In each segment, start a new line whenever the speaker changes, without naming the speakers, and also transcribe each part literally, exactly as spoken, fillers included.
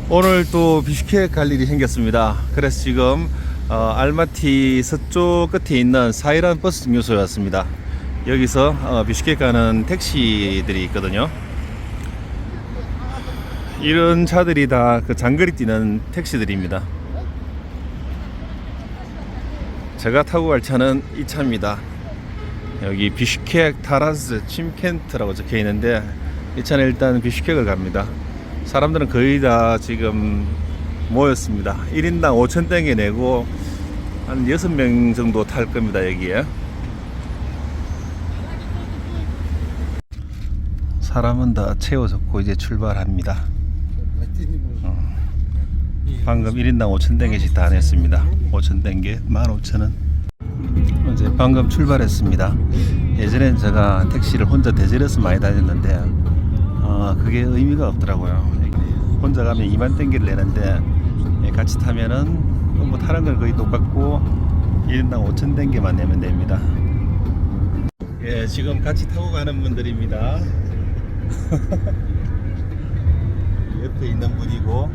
오늘 또 비슈케크 갈 일이 생겼습니다. 그래서 지금 어, 알마티 서쪽 끝에 있는 사이란 버스 정류소에 왔습니다. 여기서 어, 비슈케크 가는 택시들이 있거든요. 이런 차들이 다 그 장거리 뛰는 택시들입니다. 제가 타고 갈 차는 이 차입니다. 여기 비슈케크 타라스 침켄트라고 적혀 있는데 이 차는 일단 비슈케크를 갑니다. 사람들은 거의 다 지금 모였습니다. 일 인당 오천 땡게 내고 한 여섯 명 정도 탈 겁니다. 여기에 사람은 다 채워졌고 이제 출발합니다. 어. 방금 일 인당 오천 땡게씩 다 냈습니다. 오천 땡게 만 오천 원. 이제 방금 출발했습니다. 예전엔 제가 택시를 혼자 대절해서 많이 다녔는데 어, 그게 의미가 없더라고요. 혼자 가면 이만 땡기를 내는데 같이 타면은 뭐 타는 건 거의 똑같고 일 인당 오천 땡기만 내면 됩니다. 예, 지금 같이 타고 가는 분들입니다. 옆에 있는 분이고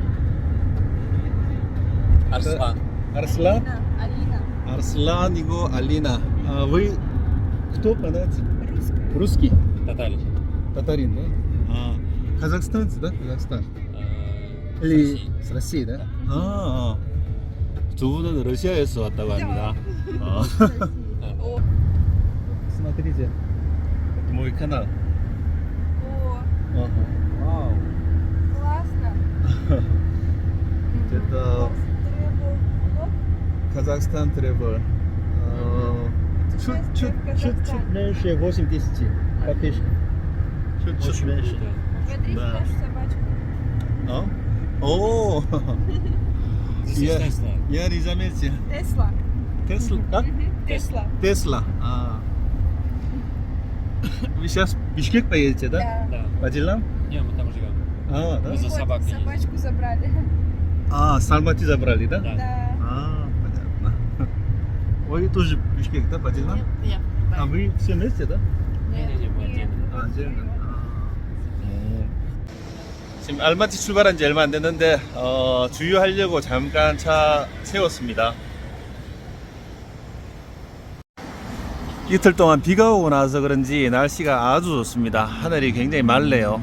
Арслан.
Арслан?
Алина.
Арслан이고 알리나. А вы кто понять? Русский?
Татарин.
Татарин, да? А, казахстанцы, да? Казахстан.
Э,
Или
с России.
с России, да? 아, 두 분은 러시아에서 왔다고 합니다. 어.
О,
Смотрите, это мой канал.
о,
Ага. Вау.
классно.
Это
Требовал блог.
Казахстан требовал. Чуть-чуть, чуть-чуть меньше восемь тысяч подписчиков. Чуть-чуть
Очень
меньше.
круто.
Смотрите
Да.
нашу собачку.
А? О,
This is
я,
Tesla.
я не заметил.
Тесла.
Тесла? Как?
Мгм, Тесла.
Тесла. А. Вы сейчас в Бишкек поедете, да?
Да.
Да.
По делам?
Не, мы там живем.
А, да?
Мы за
Вот,
собакой ездим.
собачку забрали.
А, с Алматы забрали, да?
Да.
Да.
А, понятно. Вы тоже в Бишкек, да, по делам?
Нет.
А вы все вместе, да?
Не-не-не, мы отдельно.
아, 이제는 아. 지금 알마티 출발한 지 얼마 안 됐는데 어, 주유하려고 잠깐 차 세웠습니다. 이틀 동안 비가 오고 나서 그런지 날씨가 아주 좋습니다. 하늘이 굉장히 맑네요.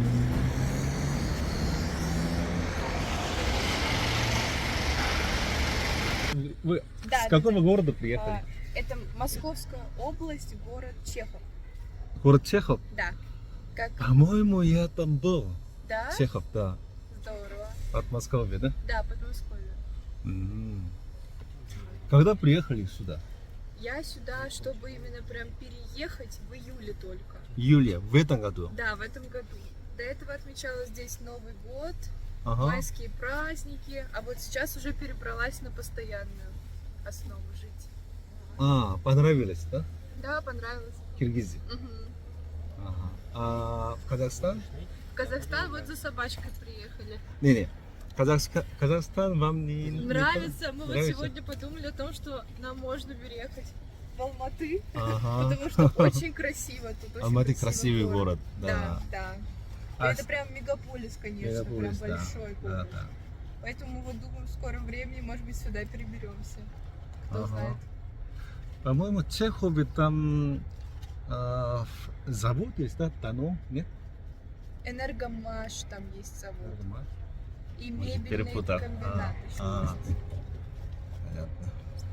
Вы
Да,
с какого города
А,
приехали?
Это Московская область, город Чехов.
Город Чехов?
Да. Как?
По-моему, я там был.
Да?
Чехов, да.
Здорово.
От Москвы, да?
Да, Подмосковье.
М. Когда приехали сюда?
Я сюда, чтобы именно прям переехать в июле только.
Июля, в этом году?
Да, в этом году. До этого отмечала здесь Новый год,
Ага.
майские праздники, а вот сейчас уже перебралась на постоянную основу жить.
А, понравилось, да?
Да, понравилось.
Киргизия.
Мгм.
Ага. А в Казахстан?
В Казахстан вот за собачкой приехали.
Не-не. Казахска- Казахстан вам не
Нравится. Мы вот
Нравится?
сегодня подумали о том, что нам можно переехать в Алматы,
Ага.
потому что очень красиво тут. очень
Алматы красивый город,
Да,
да.
да.
А
Это
с-
прям мегаполис, конечно,
Мегаполис,
прям
да.
большой
Да,
город.
да.
Поэтому вот думаю, в скором времени, может быть, сюда переберемся. Кто
Ага.
знает.
По-моему, в Чехове там а, ф- завод есть, да? Тано? Нет?
Энергомаш там есть завод. И
Может,
мебельный
перепутал.
комбинат
А,
еще
а.
есть.
Понятно.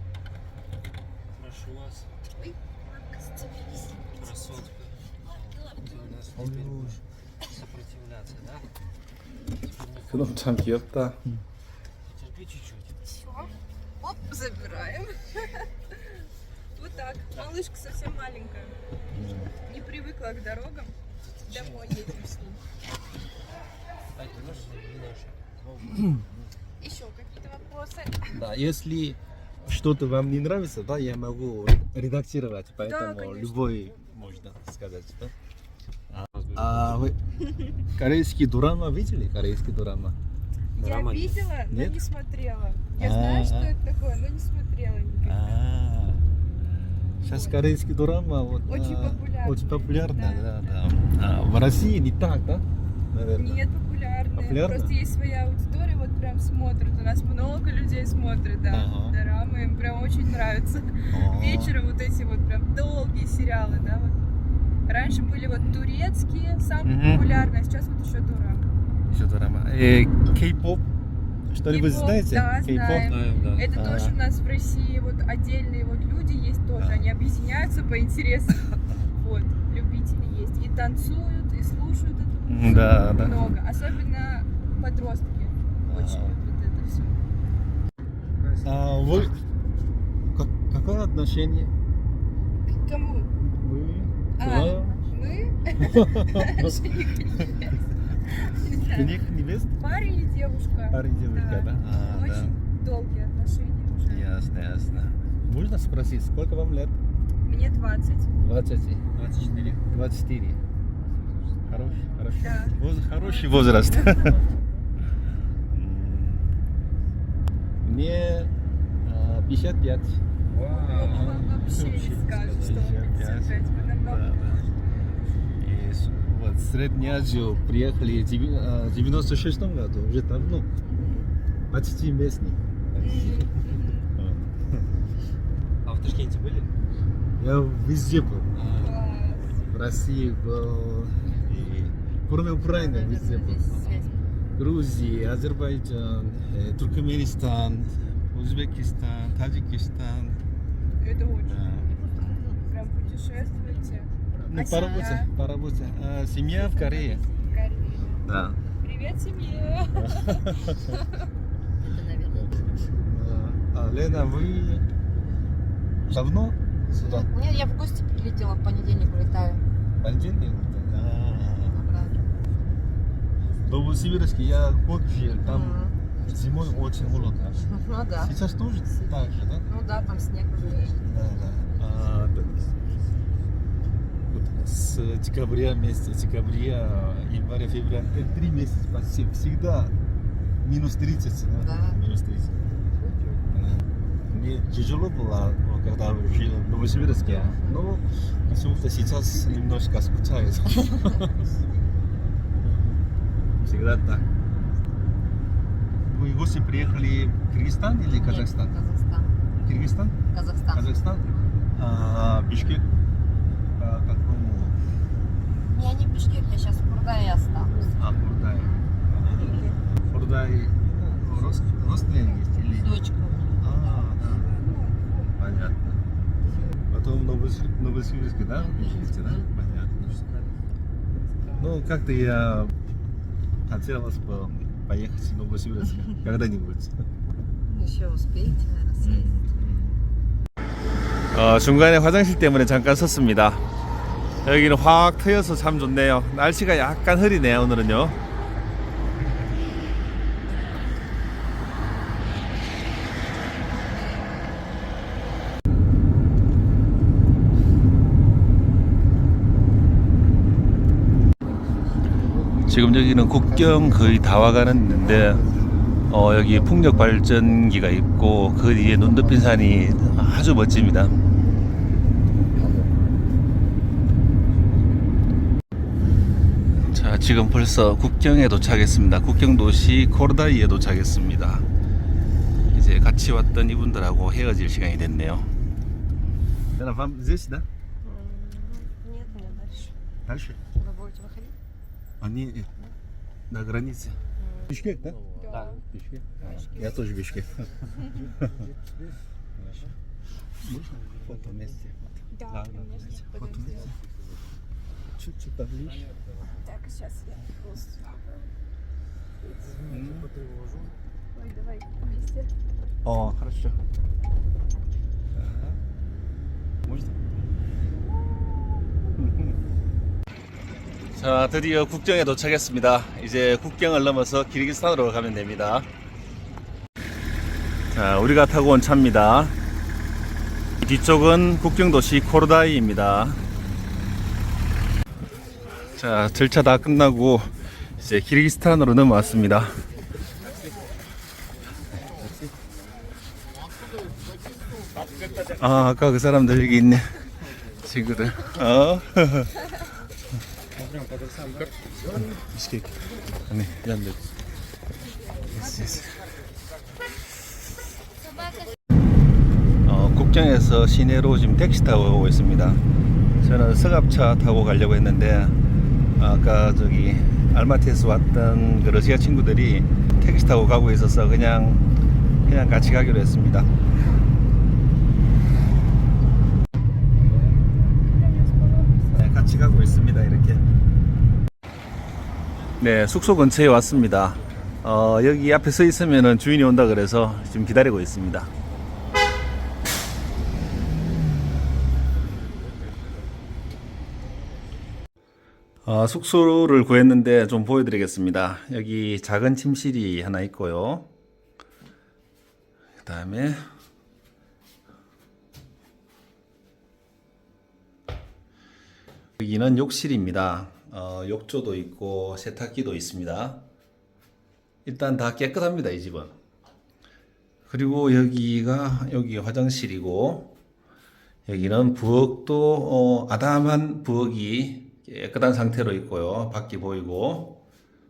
Прошу вас,
Ой, мамка, остановись.
красотка. Ты у нас теперь будешь сопротивляться, да?
그놈 참 귀엽다.
Терпи чуть-чуть.
Все. Оп, забираем. Вот так. Малышка совсем маленькая. Не привыкла к дорогам. Домой едем с ним.
Ай, ты нож не нож.
Еще какие-то вопросы?
Да, если что-то вам не нравится, да, я могу редактировать, поэтому
конечно.
любой можно сказать, да? А, а вы корейский драма видели? Корейский драма?
Драма
Я
нет.
видела, но
Нет?
не смотрела. Я
А,
знаю, что
а.
это такое, но не смотрела никогда.
А, сейчас корейский драма вот,
Очень
а,
популярный.
очень популярна, да,
Да,
да. А, в России не так, да? Наверное.
Нет, популярно.
Популярно?
Просто есть своя аудитория, вот прям смотрят. У нас много людей смотрят, да.
Ага.
Дорамы им прям очень нравится.
О.
Вечером вот эти вот прям долгие сериалы, да, вот. Раньше были вот турецкие, самые
Мгм.
популярные, а сейчас вот еще дорама.
Еще дорама. Э, Кей-поп. Что-нибудь
Кей-поп,
знаете?
да,
Кей-поп?
знаем.
Знаем, да.
Это
А.
тоже у нас в России вот отдельные вот люди есть тоже,
А.
они объединяются по интересам. Вот, любители есть. И танцуют, и слушают эту музыку.
Да, да.
Много. Особенно подростки очень
А.
любят это все.
А вы как, какое отношение?
К кому?
Вы?
А, мы? Жених и невеста. Не знаю,
Жених, невеста?
парень и девушка.
Парень, девушка, да? А, да.
Очень долгие отношения уже.
Ясно, ясно. Можно спросить, сколько вам лет?
Мне двадцать.
двадцать.
двадцать четыре.
двадцать четыре. Хороший, хороший.
Да.
Воз- хороший возраст. Мне а, пятьдесят пять.
Вам вообще не скажут, что вам пятьдесят пять. Вы
Да,
намного.
да. И с- вот в Среднюю Азию приехали в деви- а, девяносто шестом году, уже давно. Почти местный.
Мгм.
А в Ташкенте были?
Я везде был.
Класс.
В России был, и кроме Украины везде был. Грузия, Азербайджан, э, Туркменистан, Узбекистан, Таджикистан.
Это очень.
Да.
Прям путешествуете.
Ну,
А
по
семья?
работе, по работе. А, семья в Корее.
В Корее.
Да.
Привет, семье.
А, Лена, вы давно сюда?
Нет, я в гости прилетела, в понедельник улетаю
Понедельник? А,
обратно.
В Новосибирске я год жил, там
Мгм.
зимой очень холодно.
Ну да.
Сейчас тоже так же, да?
Ну да, там снег уже есть.
Да, да. А, да. Вот с декабря месяца, декабря, января, февраля, это три месяца почти всегда минус тридцать, да?
Да.
Минус тридцать. Да. Мне тяжело было, когда жил в Новосибирске, но почему-то сейчас немножко скучаю. Всегда так. Вы в гости приехали в Кыргызстан или Казахстан?
Нет, Казахстан.
Кыргызстан?
Казахстан.
Казахстан? А, Бишкек? По какому?
Я не в Бишкек, я сейчас в Курдае осталась.
А, Курдай. Курдай ну, рос- родственник есть или?
Дочка у меня.
А, да. Понятно. Потом в Новосиб- Новосибирске, да? Живете, да? Понятно. Ну, как-то я хотелось бы поехать в Новосибирск когда-нибудь.
Еще успеете, наверное, съездить.
어, 중간에 화장실 때문에 잠깐 섰습니다. 여기는 확 트여서 참 좋네요. 날씨가 약간 흐리네요, 오늘은요. 지금 여기는 국경 거의 다 와가는 있는데 어, 여기 풍력 발전기가 있고 그 뒤에 눈 덮인 산이 아주 멋집니다. 자, 지금 벌써 국경에 도착했습니다. 국경 도시 코르다이에 도착했습니다. 이제 같이 왔던 이분들하고 헤어질 시간이 됐네요. Лена, вам здесь, да?
Нет, нет, дальше.
Дальше?
Вы будете выходить?
Они на границе. Бишкек, да?
Да.
Бишкек. Я тоже Бишкек. Можно фото вместе?
Да,
Да,
конечно.
да. Фото
Подожди.
вместе. Чуть-чуть поближе.
Так, сейчас я полностью.
М.
Ой, давай вместе.
О, хорошо. Ага. Можно? 자, 드디어 국경에 도착했습니다. 이제 국경을 넘어서 키르기스탄으로 가면 됩니다. 자, 우리가 타고 온 차입니다. 뒤쪽은 국경 도시 코르다이입니다. 자, 절차 다 끝나고 이제 키르기스탄으로 넘어왔습니다. 아, 아까 그 사람들 여기 있네. 친구들. 어. 비스케이크. 아니, 얀데. 어, 국경에서 시내로 지금 택시 타고 가고 있습니다. 저는 서갑차 타고 가려고 했는데 아까 저기 알마티에서 왔던 그 러시아 친구들이 택시 타고 가고 있어서 그냥 그냥 같이 가기로 했습니다. 네, 같이 가고 있습니다. 이렇게. 네, 숙소 근처에 왔습니다. 어, 여기 앞에 서 있으면은 주인이 온다 그래서 지금 기다리고 있습니다. 어, 숙소를 구했는데 좀 보여드리겠습니다. 여기 작은 침실이 하나 있고요. 그 다음에 여기는 욕실입니다. 어, 욕조도 있고 세탁기도 있습니다. 일단 다 깨끗합니다, 이 집은. 그리고 여기가 여기 화장실이고 여기는 부엌도 어, 아담한 부엌이 깨끗한 상태로 있고요. 밖이 보이고.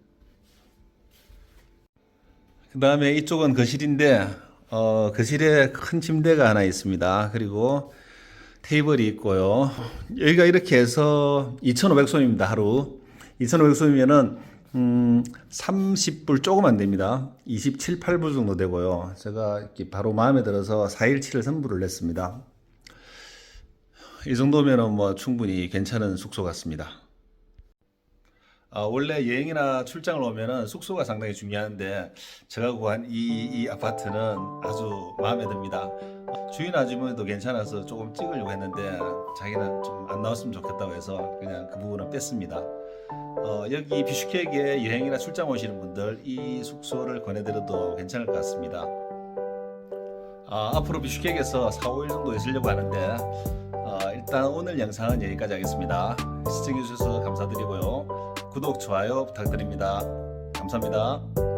그 다음에 이쪽은 거실인데 어, 거실에 큰 침대가 하나 있습니다. 그리고 테이블이 있고요. 여기가 이렇게 해서 이천오백 솜입니다. 하루. 이천오백 솜이면은 음, 삼십 불 조금 안 됩니다. 이십칠, 팔 불 정도 되고요. 제가 이렇게 바로 마음에 들어서 사일치를 선불을 냈습니다. 이 정도면은 뭐 충분히 괜찮은 숙소 같습니다. 아, 원래 여행이나 출장을 오면은 숙소가 상당히 중요한데 제가 구한 이, 이 아파트는 아주 마음에 듭니다. 주인 아주머니도 괜찮아서 조금 찍으려고 했는데 자기는 좀 안 나왔으면 좋겠다고 해서 그냥 그 부분은 뺐습니다. 어, 여기 비슈케크에 여행이나 출장 오시는 분들 이 숙소를 권해드려도 괜찮을 것 같습니다. 아, 앞으로 비슈케크에서 사, 오 일 정도 있으려고 하는데 어, 일단 오늘 영상은 여기까지 하겠습니다. 시청해주셔서 감사드리고요. 구독, 좋아요 부탁드립니다. 감사합니다.